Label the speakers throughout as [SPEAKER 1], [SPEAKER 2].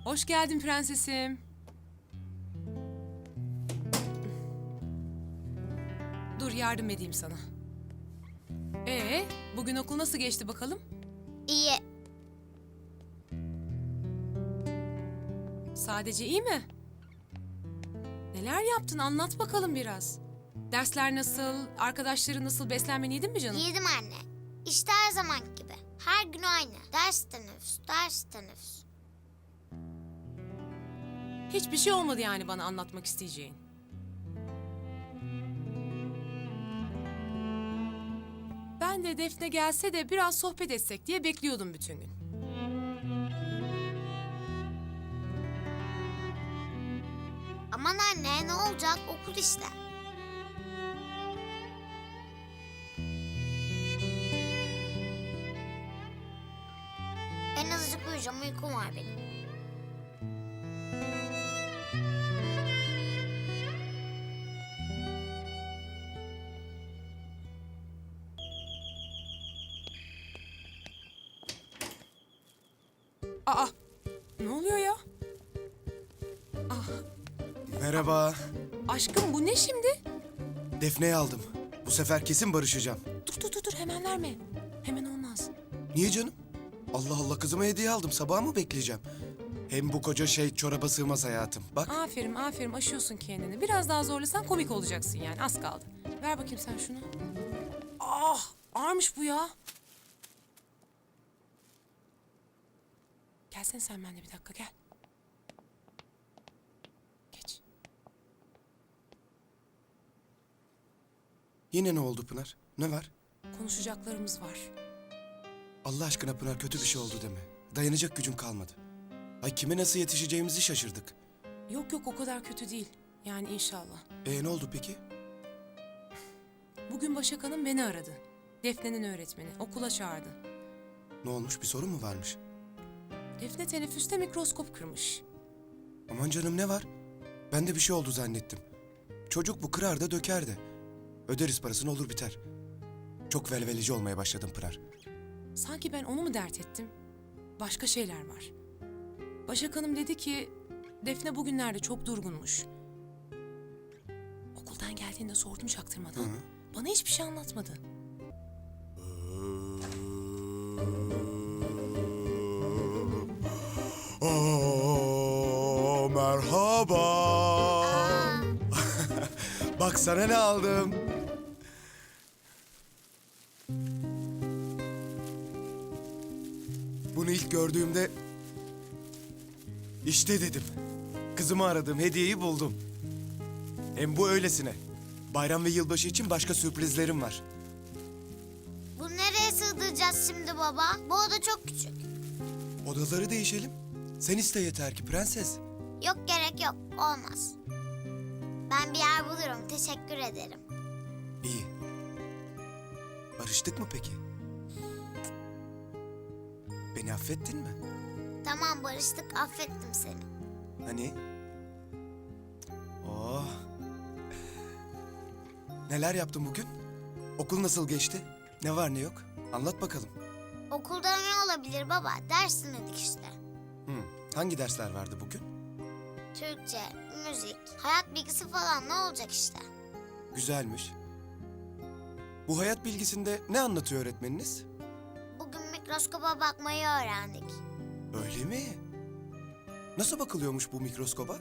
[SPEAKER 1] Hoş geldin prensesim. Dur yardım edeyim sana. Bugün okul nasıl geçti bakalım?
[SPEAKER 2] İyi.
[SPEAKER 1] Sadece iyi mi? Neler yaptın anlat bakalım biraz. Dersler nasıl, arkadaşların nasıl, beslenmen yedin mi canım?
[SPEAKER 2] Yedim anne. İşte her zaman gibi. Her gün aynı. Ders teneffüs, ders teneffüs.
[SPEAKER 1] Hiçbir şey olmadı yani bana anlatmak isteyeceğin. Ben de Defne gelse de biraz sohbet etsek diye bekliyordum bütün gün.
[SPEAKER 2] Aman anne, ne olacak? Okul işte. En azıcık uyuyacağım. Uykum var benim.
[SPEAKER 1] Aa, ne oluyor ya?
[SPEAKER 3] Merhaba.
[SPEAKER 1] Aşkım bu ne şimdi?
[SPEAKER 3] Defne'yi aldım. Bu sefer kesin barışacağım.
[SPEAKER 1] Dur hemen verme. Hemen olmaz.
[SPEAKER 3] Niye canım? Allah Allah kızıma hediye aldım. Sabah mı bekleyeceğim? Hem bu koca şey çoraba sığmaz hayatım. Bak.
[SPEAKER 1] Aferin aşıyorsun kendini. Biraz daha zorlasan komik olacaksın yani az kaldı. Ver bakayım sen şunu. Ah ağırmış bu ya. Gelsene sen benimle bir dakika gel. Geç.
[SPEAKER 3] Yine ne oldu Pınar? Ne var?
[SPEAKER 1] Konuşacaklarımız var.
[SPEAKER 3] Allah aşkına Pınar kötü bir şey oldu deme. Dayanacak gücüm kalmadı. Ay kime nasıl yetişeceğimizi şaşırdık.
[SPEAKER 1] Yok o kadar kötü değil. Yani inşallah.
[SPEAKER 3] Ne oldu peki?
[SPEAKER 1] Bugün Başak Hanım beni aradı. Defne'nin öğretmeni. Okula çağırdı.
[SPEAKER 3] Ne olmuş? Bir sorun mu varmış?
[SPEAKER 1] Defne teneffüste mikroskop kırmış.
[SPEAKER 3] Aman canım ne var? Ben de bir şey oldu zannettim. Çocuk bu kırar da döker de. Öderiz parasını olur biter. Çok velveleci olmaya başladım Pınar.
[SPEAKER 1] Sanki ben onu mu dert ettim? Başka şeyler var. Başak Hanım dedi ki Defne bugünlerde çok durgunmuş. Okuldan geldiğinde sordum çaktırmadan. Bana hiçbir şey anlatmadı.
[SPEAKER 3] Merhaba. Bak sana ne aldım. Bunu ilk gördüğümde işte dedim. Kızımı aradım, hediyeyi buldum. Hem bu öylesine. Bayram ve yılbaşı için başka sürprizlerim var.
[SPEAKER 2] Bunu nereye sığdıracağız şimdi baba? Bu oda çok küçük.
[SPEAKER 3] Odaları değişelim. Sen iste yeter ki prenses.
[SPEAKER 2] Yok gerek yok. Olmaz. Ben bir yer bulurum. Teşekkür ederim.
[SPEAKER 3] İyi. Barıştık mı peki? Beni affettin mi?
[SPEAKER 2] Tamam barıştık. Affettim seni.
[SPEAKER 3] Hani? Oh. Neler yaptın bugün? Okul nasıl geçti? Ne var ne yok? Anlat bakalım.
[SPEAKER 2] Okulda ne olabilir baba? Ders dinledik işte.
[SPEAKER 3] Hangi dersler vardı bugün?
[SPEAKER 2] Türkçe, müzik, hayat bilgisi falan ne olacak işte.
[SPEAKER 3] Güzelmiş. Bu hayat bilgisinde ne anlatıyor öğretmeniniz?
[SPEAKER 2] Bugün mikroskopa bakmayı öğrendik.
[SPEAKER 3] Öyle mi? Nasıl bakılıyormuş bu mikroskoba?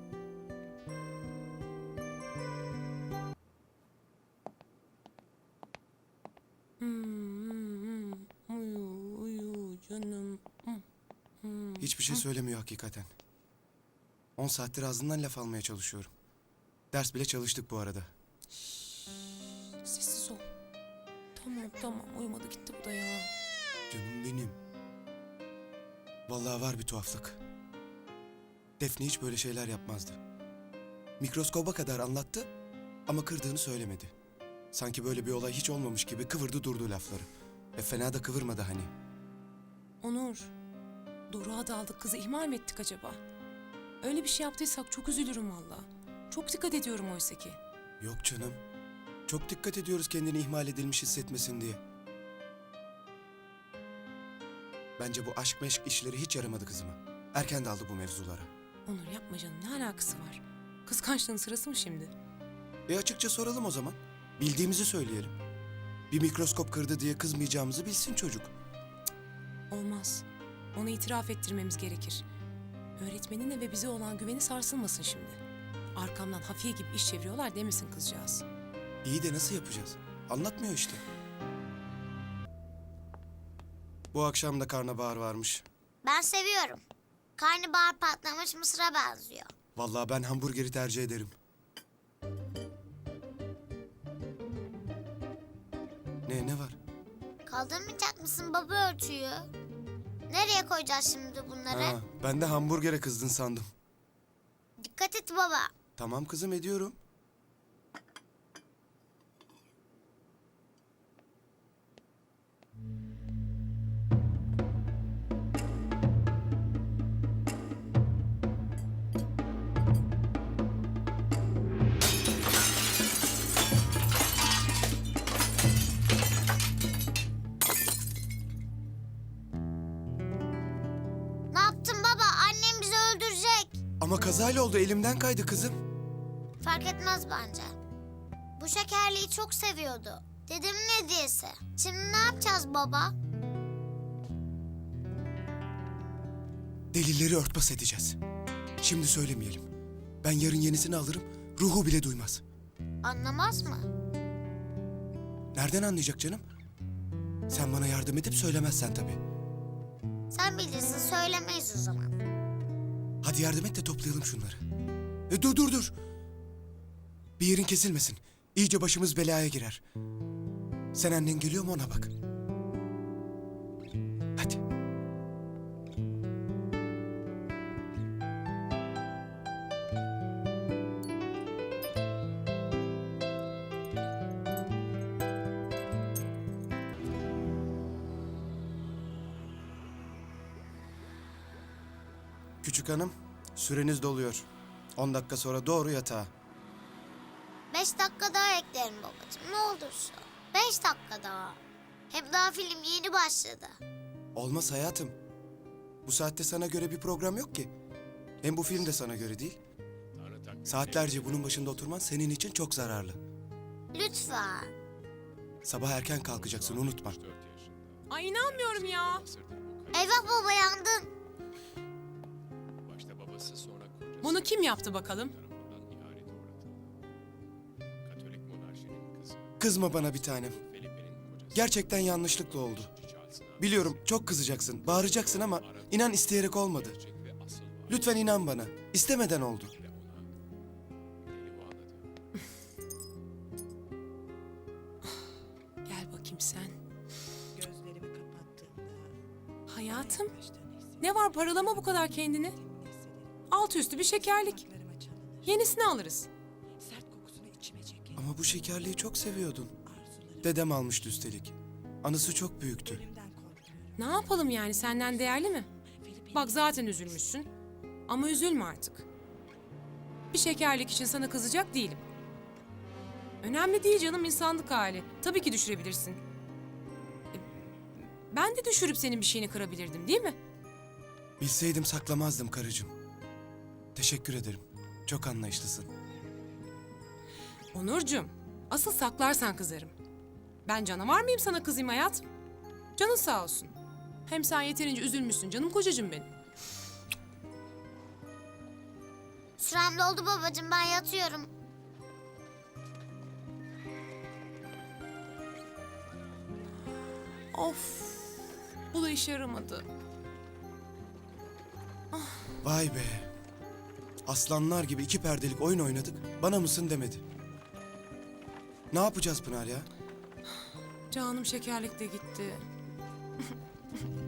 [SPEAKER 1] Uyu canım.
[SPEAKER 3] Hiçbir şey söylemiyor hakikaten. 10 saattir ağzından laf almaya çalışıyorum. Ders bile çalıştık bu arada.
[SPEAKER 1] Sessiz ol. Tamam uyumadı gitti bu da ya.
[SPEAKER 3] Canım benim. Vallahi var bir tuhaflık. Defne hiç böyle şeyler yapmazdı. Mikroskoba kadar anlattı ama kırdığını söylemedi. Sanki böyle bir olay hiç olmamış gibi kıvırdı durdu lafları. Fena da kıvırmadı hani.
[SPEAKER 1] Onur, Doruk'a da aldık kızı ihmal mi ettik acaba? Öyle bir şey yaptıysak çok üzülürüm valla. Çok dikkat ediyorum oysa ki.
[SPEAKER 3] Yok canım. Çok dikkat ediyoruz kendini ihmal edilmiş hissetmesin diye. Bence bu aşk meşk işleri hiç yaramadı kızıma. Erken daldı bu mevzulara.
[SPEAKER 1] Onur yapma canım, ne alakası var? Kıskançlığın sırası mı şimdi?
[SPEAKER 3] Açıkça soralım o zaman. Bildiğimizi söyleyelim. Bir mikroskop kırdı diye kızmayacağımızı bilsin çocuk.
[SPEAKER 1] Olmaz. Ona itiraf ettirmemiz gerekir. Öğretmenine ve bize olan güveni sarsılmasın şimdi. Arkamdan hafiye gibi iş çeviriyorlar demesin kızcağız.
[SPEAKER 3] İyi de nasıl yapacağız? Anlatmıyor işte. Bu akşam da karnabahar varmış.
[SPEAKER 2] Ben seviyorum. Karnabahar patlamış mısıra benziyor.
[SPEAKER 3] Vallahi ben hamburgeri tercih ederim. Ne var?
[SPEAKER 2] Kaldırmayacak mısın baba örtüyü? Nereye koyacağız şimdi bunları?
[SPEAKER 3] Ha, ben de hamburgere kızdın sandım.
[SPEAKER 2] Dikkat et baba.
[SPEAKER 3] Tamam kızım, ediyorum.
[SPEAKER 2] Ne yaptın baba? Annem bizi öldürecek.
[SPEAKER 3] Ama kazayla oldu, elimden kaydı kızım.
[SPEAKER 2] Fark etmez bence. Bu şekerliği çok seviyordu. Dedemin hediyesi. Şimdi ne yapacağız baba?
[SPEAKER 3] Delilleri örtbas edeceğiz. Şimdi söylemeyelim. Ben yarın yenisini alırım, ruhu bile duymaz.
[SPEAKER 2] Anlamaz mı?
[SPEAKER 3] Nereden anlayacak canım? Sen bana yardım edip söylemezsen tabii.
[SPEAKER 2] Sen bilirsin, söylemeyiz o zaman.
[SPEAKER 3] Hadi yardım et de toplayalım şunları. Dur. Bir yerin kesilmesin. İyice başımız belaya girer. Sen annen geliyor mu, ona bak. Hadi. Küçük hanım, süreniz doluyor. 10 dakika sonra doğru yatağa.
[SPEAKER 2] 5 dakika daha eklerim babacığım, ne olursa. 5 dakika daha. Hem daha film yeni başladı.
[SPEAKER 3] Olmaz hayatım. Bu saatte sana göre bir program yok ki. Hem bu film de sana göre değil. Saatlerce bunun başında oturman senin için çok zararlı.
[SPEAKER 2] Lütfen.
[SPEAKER 3] Sabah erken kalkacaksın, unutma.
[SPEAKER 1] Ay inanmıyorum ya.
[SPEAKER 2] Eyvah baba, yandın.
[SPEAKER 4] Başta babası, sonra kocası
[SPEAKER 1] Bunu kim yaptı bakalım?
[SPEAKER 4] tarafından ihanete uğratıldı. Katolik monarşinin kızı
[SPEAKER 3] Kızma bana bir tanem.
[SPEAKER 4] Felipe'nin kocası
[SPEAKER 3] Gerçekten yanlışlıkla oldu.
[SPEAKER 4] Charles'ın
[SPEAKER 3] Biliyorum çok kızacaksın, bağıracaksın ama inan isteyerek olmadı.
[SPEAKER 4] gerçek ve asıl var
[SPEAKER 3] Lütfen inan bana. İstemeden oldu.
[SPEAKER 4] ve ona deli bağladı.
[SPEAKER 1] Gel bakayım sen.
[SPEAKER 5] Gözlerimi kapattığımda
[SPEAKER 1] Hayatım,
[SPEAKER 5] baştan hissediyorum.
[SPEAKER 1] ne var paralama bu kadar kendini? Altı üstü bir şekerlik.
[SPEAKER 5] Kulaklarıma çalınır.
[SPEAKER 1] Yenisini alırız.
[SPEAKER 5] Sert kokusunu içime çeker.
[SPEAKER 3] Ama bu şekerliği çok seviyordun.
[SPEAKER 5] Arzularım
[SPEAKER 3] Dedem almıştı üstelik. Anısı çok büyüktü.
[SPEAKER 5] ölümden korkuyorum.
[SPEAKER 1] Ne yapalım yani, senden değerli mi?
[SPEAKER 5] Felipe'nin
[SPEAKER 1] Bak zaten üzülmüşsün. Ama üzülme artık. Bir şekerlik için sana kızacak değilim. Önemli değil canım, insanlık hali. Tabii ki düşürebilirsin. Ben de düşürüp senin bir şeyini kırabilirdim, değil mi?
[SPEAKER 3] Bilseydim saklamazdım karıcığım. Teşekkür ederim. Çok anlayışlısın.
[SPEAKER 1] Onurcuğum, asıl saklarsan kızarım. Ben canavar mıyım sana kızayım hayatım? Canın sağ olsun. Hem sen yeterince üzülmüşsün canım kocacığım benim.
[SPEAKER 2] Sürem doldu babacığım, ben yatıyorum.
[SPEAKER 1] Of, bu da işe yaramadı.
[SPEAKER 3] Vay be. Aslanlar gibi 2 perdelik oyun oynadık. Bana mısın demedi. Ne yapacağız Pınar ya?
[SPEAKER 1] Canım şekerlik de gitti.